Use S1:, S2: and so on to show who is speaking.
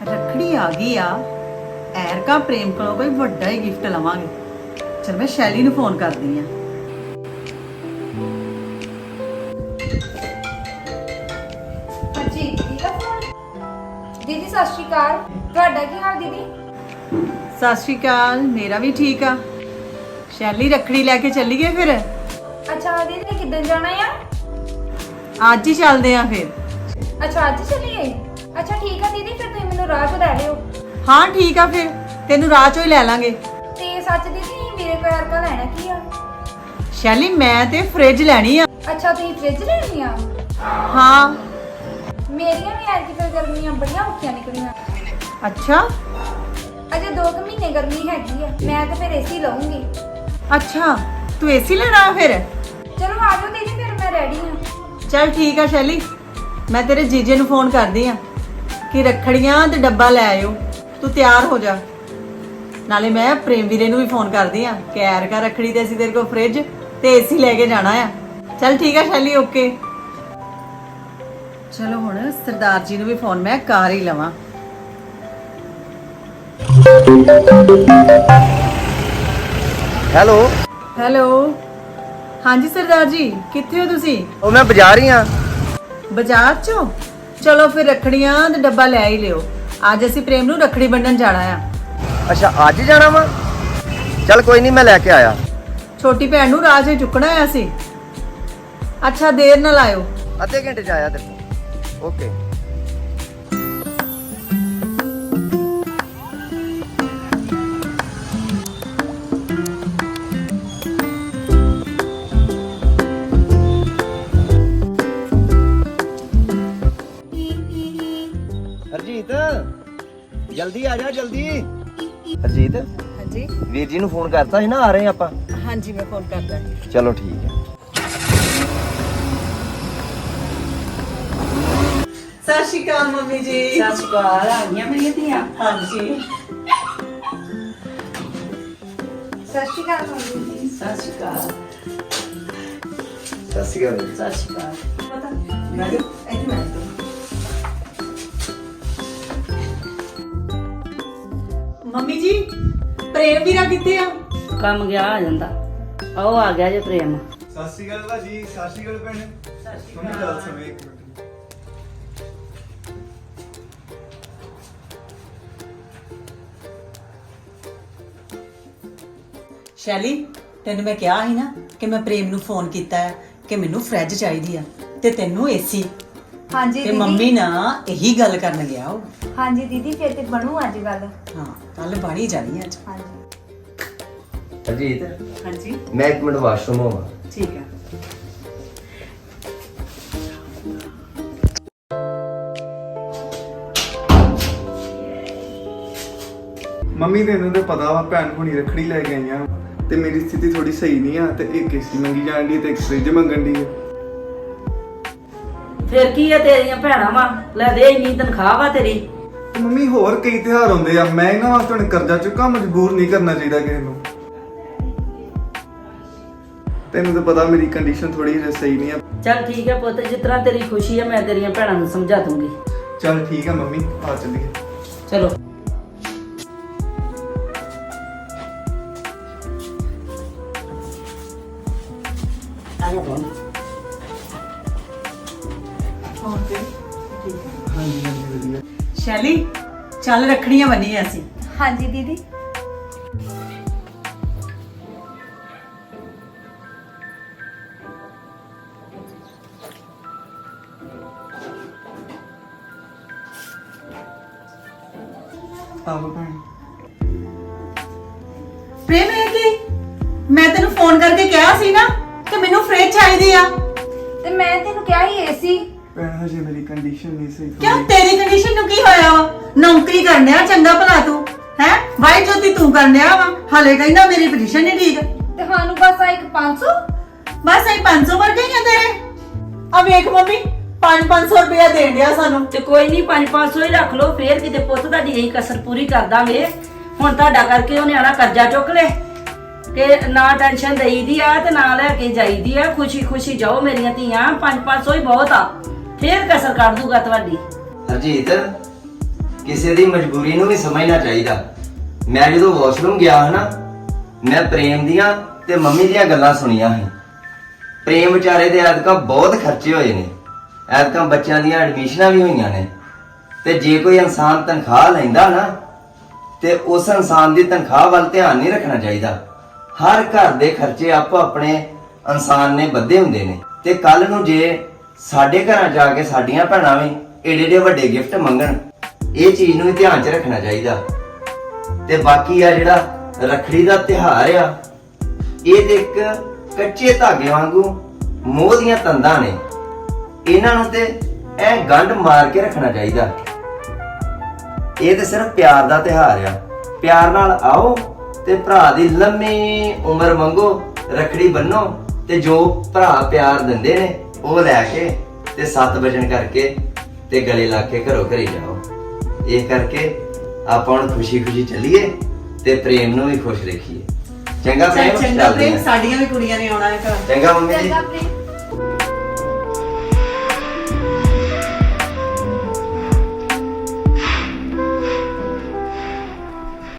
S1: ਰੱਖੜੀ ਆ ਗਈ ਆ। ਐਰਕਾ ਪ੍ਰੇਮ ਕੋਲੋਂ ਕੋਈ ਵੱਡਾ ਹੀ ਗਿਫਟ ਲਵਾਂਗੇ। ਚਲ ਮੈਂ ਸ਼ੈਲੀ ਨੂੰ ਫੋਨ ਕਰਦੀ ਆ।
S2: ਹਾਂਜੀ ਦੀਦੀ ਦਾ ਫੋਨ। ਦੀਦੀ ਸਤਿ ਸ਼੍ਰੀ ਅਕਾਲ, ਤੁਹਾਡਾ ਕੀ ਹਾਲ ਦੀਦੀ?
S1: ਸਤਿ ਸ਼੍ਰੀ ਅਕਾਲ, ਮੇਰਾ ਵੀ ਠੀਕ ਆ। ਸ਼ੈਲੀ ਰੱਖੜੀ ਲੈ ਕੇ ਚੱਲੀਏ ਫਿਰ?
S2: ਅੱਛਾ ਦੀਦੀ ਕਿੱਦਣ ਜਾਣਾ ਆ?
S1: ਅੱਜ ਹੀ ਚੱਲਦੇ ਆ ਫਿਰ।
S2: ਅੱਛਾ ਅੱਜ ਚੱਲੀਏ? ਅੱਛਾ ਠੀਕ ਆ ਦੀਦੀ, ਫਿਰ ਤੁਸੀਂ ਮੈਨੂੰ ਰਾਹ 'ਚ ਲੈ ਲਿਓ।
S1: ਹਾਂ ਠੀਕ ਆ, ਫਿਰ ਤੈਨੂੰ ਰਾਹ ਚੋਂ ਹੀ ਲੈ ਲਾਂਗੇ।
S2: ਤੇ ਸੱਚ ਦੀਦੀ ਮੇਰੇ ਕੋਲ ਐਰਕਾ ਲੈਣਾ ਕੀ ਆ?
S1: ਸ਼ੈਲੀ ਮੈਂ ਤੇ ਫ੍ਰਿਜ ਲੈਣੀ ਆ।
S2: ਅੱਛਾ ਤੁਸੀਂ ਫ੍ਰਿਜ ਲੈਣੀ ਆ?
S1: ਹਾਂ।
S2: ਮੇਰੀਆਂ ਵੀ ਐਰਕੀ ਫਿਰ ਗਰਮੀਆਂ ਬੜੀਆਂ ਔਖੀਆਂ ਨਿਕਲੀਆਂ।
S1: ਅੱਛਾ
S2: ਅਜੇ 2 ਮਹੀਨੇ ਗਰਮੀ ਹੈਗੀ ਆ, ਮੈਂ ਤਾਂ ਫਿਰ ਏਸੀ ਲਵਾਂਗੀ।
S1: ਅੱਛਾ ਤੂੰ ਏਸੀ ਲੈਣਾ ਫਿਰ?
S2: ਚਲੋ ਆ ਜਾਓ ਦੀਦੀ, ਫਿਰ ਮੈਂ ਰੈਡੀ ਹਾਂ।
S1: ਚਲ ਠੀਕ ਆ ਸ਼ੈਲੀ, ਮੈਂ ਤੇਰੇ ਜੀਜੇ ਨੂੰ ਫੋਨ ਕਰਦੀ ਆ ਕਿ ਰੱਖੜੀਆਂ ਤੇ ਡੱਬਾ ਲੈ ਆਇਓ। ਤੂੰ ਤਿਆਰ ਹੋ ਜਾ। ਨਾਲੇ ਮੈਂ ਪ੍ਰੇਮ ਵੀਰੇ ਨੂੰ ਵੀ ਫੋਨ ਕਰਦੀ ਆ ਕਿ ਐਰਕਾ ਰੱਖੜੀ ਤੇ ਅਸੀਂ ਤੇਰੇ ਕੋਲ ਫ੍ਰਿਜ ਤੇ ਏਸੀ ਲੈ ਕੇ ਜਾਣਾ ਆ। ਚਲ ਠੀਕ ਆ ਸ਼ੈਲੀ, ਓਕੇ। ਚਲੋ ਹੁਣ ਸਰਦਾਰ ਜੀ ਨੂੰ ਵੀ ਫੋਨ ਮੈਂ ਕਰ ਹੀ ਲਵਾਂ।
S3: ਹੈਲੋ
S1: ਹੈਲੋ, ਹਾਂਜੀ ਸਰਦਾਰ ਜੀ, ਕਿੱਥੇ ਹੋ ਤੁਸੀਂ?
S3: ਉਹ ਮੈਂ ਬਾਜ਼ਾਰ ਹੀ ਆ।
S1: ਬਾਜ਼ਾਰ ਚੋਂ? ਚਲੋ ਫਿਰ ਰੱਖੜੀਆਂ ਤੇ ਡੱਬਾ ਲੈ ਹੀ ਲਿਓ। ਅੱਜ ਅਸੀਂ ਪ੍ਰੇਮ ਨੂੰ ਰੱਖੜੀ ਬੰਨਣ ਜਾਣਾ ਆ।
S3: ਅੱਛਾ ਅੱਜ ਜਾਣਾ ਵਾ? ਚੱਲ ਕੋਈ ਨਹੀਂ, ਮੈਂ ਲੈ ਕੇ ਆਇਆ।
S1: ਛੋਟੀ ਭੈਣ ਨੂੰ ਰਾਹ 'ਚ ਚੁੱਕਣਾ ਆ ਅਸੀਂ। ਅੱਛਾ ਦੇਰ ਨਾਲ ਆਇਓ।
S3: ਅੱਧੇ ਘੰਟੇ 'ਚ ਆਇਆ ਤੇਰੇ ਕੋਲ। ਓਕੇ। ਹਰਜੀਤ ਜਲਦੀ ਆ ਜਾ, ਜਲਦੀ। ਹਰਜੀਤ
S1: ਹਾਂਜੀ
S3: ਵੀਰ ਜੀ ਨੂੰ ਫੋਨ ਕਰਤਾ ਸੀ ਨਾ, ਆ ਰਹੇ ਆਪਾਂ।
S1: ਹਾਂਜੀ ਮੈਂ ਫੋਨ ਕਰਦਾ।
S3: ਚਲੋ ਠੀਕ ਹੈ।
S1: ਸਤਿ ਸ਼੍ਰੀ ਅਕਾਲ ਮੰਮੀ ਜੀ।
S4: ਸਤਿ ਸ਼੍ਰੀ ਅਕਾਲ। ਆ ਗਈਆਂ ਮੇਰੀਆਂ ਧੀਆਂ?
S1: ਹਾਂਜੀ
S2: ਸਤਿ ਸ਼੍ਰੀ ਅਕਾਲ ਮੰਮੀ ਜੀ।
S4: ਸਤਿ ਸ਼੍ਰੀ ਅਕਾਲ।
S3: ਸਤਿ ਸ਼੍ਰੀ ਅਕਾਲ।
S4: ਸਤਿ ਸ਼੍ਰੀ ਅਕਾਲ।
S1: ਪਤਾ ਮੈਂ ਇੱਥੇ ਮੈਂ ਮੰਮੀ ਜੀ ਪ੍ਰੇਮ ਵੀਰਾ ਕਿੱਥੇ ਆ?
S4: ਕੰਮ ਗਿਆ ਆ ਜਾਂਦਾ। ਆਓ ਆ ਗਿਆ ਜੇ ਪ੍ਰੇਮ।
S5: ਸਤਿ ਸ਼੍ਰੀ ਅਕਾਲ ਭਾਜੀ। ਸਤਿ ਸ਼੍ਰੀ ਅਕਾਲ ਭੈਣ। ਮੰਮੀ ਗੱਲ ਸੁਣੋ ਇੱਕ ਮਿੰਟ।
S1: ਸ਼ੈਲੀ ਤੈਨੂੰ ਮੈਂ ਕਿਹਾ ਸੀ ਨਾ ਕਿ ਮੈਂ ਪ੍ਰੇਮ ਨੂੰ ਫੋਨ ਕੀਤਾ ਹੈ ਕਿ ਮੈਨੂੰ ਫ੍ਰਿਜ ਚਾਹੀਦੀ ਆ ਤੇ ਤੈਨੂੰ ਏਸੀ।
S2: ਹਾਂਜੀ
S1: ਤੇ
S2: ਦੀਦੀ।
S1: ਮੰਮੀ ਨਾ ਇਹੀ ਗੱਲ ਕਰਨ ਗਿਆ ਉਹ।
S2: ਹਾਂਜੀ ਦੀਦੀ ਫਿਰ ਤੇ ਬਣੂ ਅੱਜ ਗੱਲ।
S1: ਹਾਂ ਕੱਲ ਬਾਣੀ ਜਾਣੀ ਅੱਜ।
S2: ਹਾਂਜੀ
S3: ਹਰਜੀਤ
S1: ਹਾਂਜੀ
S3: ਮੈਂ ਇੱਕ ਮਿੰਟ ਵਾਸ਼ਰੂਮ ਹੋਵਾਂ।
S1: ਠੀਕ ਆ।
S5: ਮੰਮੀ ਤੈਨੂੰ ਤੇ ਪਤਾ ਵਾ ਭੈਣ ਹੁਣੀ ਰੱਖੜੀ ਲੈ ਕੇ ਆਈਆਂ ਤੇ ਮੇਰੀ ਸਥਿਤੀ ਥੋੜੀ ਸਹੀ ਨਹੀਂ ਆ ਤੇ ਇੱਕ ਏਸੀ ਮੰਗੀ ਜਾਣ ਦੀ ਤੇ ਇੱਕ ਫ੍ਰਿਜ ਮੰਗਣ ਦੀ ਆ।
S4: ਫਿਰ ਕੀ ਆ, ਤੇਰੀਆਂ ਭੈਣਾਂ ਵਾ, ਲੈ ਦੇ ਇੰਨੀ ਤਨਖਾਹ ਵਾ ਤੇਰੀ।
S5: ਤੇ ਮੰਮੀ ਹੋਰ ਕਈ ਤਿਉਹਾਰ ਹੁੰਦੇ ਆ, ਮੈਂ ਇਹਨਾਂ ਵਾਸਤੇ ਹੁਣ ਕਰਜ਼ਾ ਚੁੱਕਾ, ਮਜਬੂਰ ਨਹੀਂ ਕਰਨਾ ਚਾਹੀਦਾ ਕਿਸੇ ਨੂੰ। ਤੈਨੂੰ ਤਾਂ ਪਤਾ ਮੇਰੀ ਕੰਡੀਸ਼ਨ ਥੋੜੀ ਜਿਹੀ ਸਹੀ ਨਹੀਂ ਆ।
S4: ਚੱਲ ਠੀਕ ਹੈ ਪੁੱਤ, ਜਿਸ ਤਰ੍ਹਾਂ ਤੇਰੀ ਖੁਸ਼ੀ ਆ ਮੈਂ ਤੇਰੀਆਂ ਭੈਣਾਂ ਨੂੰ ਸਮਝਾ ਦੂੰਗੀ।
S5: ਚੱਲ ਠੀਕ ਆ ਮੰਮੀ, ਆ ਚੱਲੀਏ।
S4: ਚਲੋ ਆ ਜਾ ਬੋਲ।
S5: ਹਾਂਜੀ ਹਾਂਜੀ ਵਧੀਆ।
S1: ਸ਼ੈਲੀ ਚੱਲ ਰੱਖੜੀਆਂ ਬੰਨੀਆਂ ਅਸੀਂ।
S2: ਹਾਂਜੀ ਦੀਦੀ।
S5: ਆਹੋ ਭੈਣ।
S1: ਪ੍ਰੇਮ ਹੈ ਕਿ ਮੈਂ ਤੈਨੂੰ ਫੋਨ ਕਰਕੇ ਕਿਹਾ ਸੀ ਨਾ ਕਿ ਮੈਨੂੰ ਫ੍ਰਿਜ ਚਾਹੀਦੀ ਆ।
S2: ਤੇ ਮੈਂ ਤੈਨੂੰ ਕਿਹਾ ਹੀ ਏਸੀ।
S5: ਭੈਣ ਹਜੇ ਮੇਰੀ ਕੰਡੀਸ਼ਨ ਨਹੀਂ ਸਹੀ
S1: ਕਿਉਂ
S5: ਥੋੜੀ।
S1: ਤੇਰੀ ਕੰਡੀਸ਼ਨ ਨੂੰ ਕੀ ਹੋਇਆ ਵਾ? ਨੌਕਰੀ ਕਰਨਿਆ ਚੰਗਾ ਭਲਾ ਤੂੰ ਹੈ ਵਾਈ ਜੋਤੀ ਤੂੰ ਕਰਨਿਆ ਵਾ, ਹਲੇ ਕਹਿੰਦਾ ਮੇਰੀ ਪੋਜੀਸ਼ਨ ਨਹੀਂ ਠੀਕ।
S2: ਤੇ ਸਾਨੂੰ ਬਸ ਆ ਇੱਕ 500।
S1: ਬਸ ਇਹ 500 ਵਰ ਗਈਆਂ ਤੇਰੇ। ਆ ਵੇਖ ਮੰਮੀ 500 ਰੁਪਇਆ ਦੇਣ ਡਿਆ ਸਾਨੂੰ।
S4: ਤੇ ਕੋਈ ਨਹੀਂ 500 ਹੀ ਰੱਖ ਲਓ, ਫੇਰ ਕਿਤੇ ਪੁੱਤ ਤੁਹਾਡੀ ਇਹੀ ਕਸਰ ਪੂਰੀ ਕਰ ਦਾਂਗੇ। ਹੁਣ ਤੁਹਾਡਾ ਕਰਕੇ ਉਹਨੇ ਆਣਾ ਕਰਜ਼ਾ ਚੁੱਕ ਲੈ ਤੇ ਨਾ ਟੈਨਸ਼ਨ ਦੇਈਦੀ ਆ ਤੇ ਨਾ ਲੈ ਕੇ ਜਾਈਦੀ ਆ। ਖੁਸ਼ੀ ਖੁਸ਼ੀ ਜਾਓ ਮੇਰੀਆਂ ਧੀਆਂ, 500 ਹੀ ਬਹੁਤ ਆ, ਫੇਰ ਕਸਰ ਕੱਢ ਦੂਗਾ ਤੁਹਾਡੀ।
S3: ਹਰਜੀਤ ਕਿਸੇ ਦੀ ਮਜਬੂਰੀ ਨੂੰ ਵੀ ਸਮਝਣਾ ਚਾਹੀਦਾ। ਮੈਂ ਜਦੋਂ ਵਾਸ਼ਰੂਮ ਗਿਆ ਹਾਂ ਨਾ, ਮੈਂ ਪ੍ਰੇਮ ਦੀਆਂ ਤੇ ਮੰਮੀ ਦੀਆਂ ਗੱਲਾਂ ਸੁਣੀਆਂ ਸੀ। ਪ੍ਰੇਮ ਵਿਚਾਰੇ ਦੇ ਐਤਕਾਂ ਬਹੁਤ ਖਰਚੇ ਹੋਏ ਨੇ, ਐਤਕਾਂ ਬੱਚਿਆਂ ਦੀਆਂ ਐਡਮਿਸ਼ਨਾਂ ਵੀ ਹੋਈਆਂ ਨੇ। ਤੇ ਜੇ ਕੋਈ ਇਨਸਾਨ ਤਨਖਾਹ ਲੈਂਦਾ ਨਾ, ਤੇ ਉਸ ਇਨਸਾਨ ਦੀ ਤਨਖਾਹ ਵੱਲ ਧਿਆਨ ਨਹੀਂ ਰੱਖਣਾ ਚਾਹੀਦਾ। ਹਰ ਘਰ ਦੇ ਖਰਚੇ ਆਪੋ ਆਪਣੇ ਇਨਸਾਨ ਨੇ ਬੱਧੇ ਹੁੰਦੇ ਨੇ। ਤੇ ਕੱਲ ਨੂੰ ਜੇ ਸਾਡੇ ਘਰਾਂ ਜਾ ਕੇ ਸਾਡੀਆਂ ਭੈਣਾਂ ਵੀ ਏਡੇ ਏਡੇ ਵੱਡੇ ਗਿਫਟ ਮੰਗਣ, ਇਹ ਚੀਜ਼ ਨੂੰ ਵੀ ਧਿਆਨ 'ਚ ਰੱਖਣਾ ਚਾਹੀਦਾ। ਤੇ ਬਾਕੀ ਆ ਜਿਹੜਾ ਰੱਖੜੀ ਦਾ ਤਿਉਹਾਰ ਆ, ਇਹ ਤੇ ਇੱਕ ਕੱਚੇ ਧਾਗੇ ਵਾਂਗੂ ਮੋਹ ਦੀਆਂ ਤੰਦਾਂ ਨੇ। ਇਹਨਾਂ ਨੂੰ ਤੇ ਐ ਗੰਢ ਮਾਰ ਕੇ ਰੱਖਣਾ ਚਾਹੀਦਾ। ਇਹ ਤੇ ਸਿਰਫ ਪਿਆਰ ਦਾ ਤਿਉਹਾਰ ਆ। ਪਿਆਰ ਨਾਲ ਆਓ ਤੇ ਭਰਾ ਦੀ ਲੰਮੀ ਉਮਰ ਮੰਗੋ, ਰੱਖੜੀ ਬੰਨੋ, ਤੇ ਜੋ ਭਰਾ ਪਿਆਰ ਦਿੰਦੇ ਨੇ ਉਹ ਲੈ ਕੇ ਤੇ 7 ਵਜਨ ਕਰਕੇ ਤੇ ਗਲੇ ਲਾ ਕੇ ਘਰੋਂ ਘਰੇ ਜਾਓ। ਇਹ ਕਰਕੇ ਆਪਾਂ ਹੁਣ ਖੁਸ਼ੀ ਚੱਲੀਏ ਤੇ ਪ੍ਰੇਮ ਨੂੰ ਵੀ ਖੁਸ਼ ਰੱਖੀਏ। ਚੰਗਾ ਪ੍ਰੇਮ,
S1: ਚੰਗਾ
S3: ਚੱਲਦੇ
S1: ਪ੍ਰੇਮ,
S3: ਹਾਂ।
S1: ਸਾਡੀਆਂ ਵੀ ਕੁੜੀਆਂ ਨੇ ਆਉਣਾ ਹੈ ਘਰ।
S3: ਚੰਗਾ ਮੰਮੀ ਜੀ।
S2: ਚੰਗਾ ਪ੍ਰੀਤ।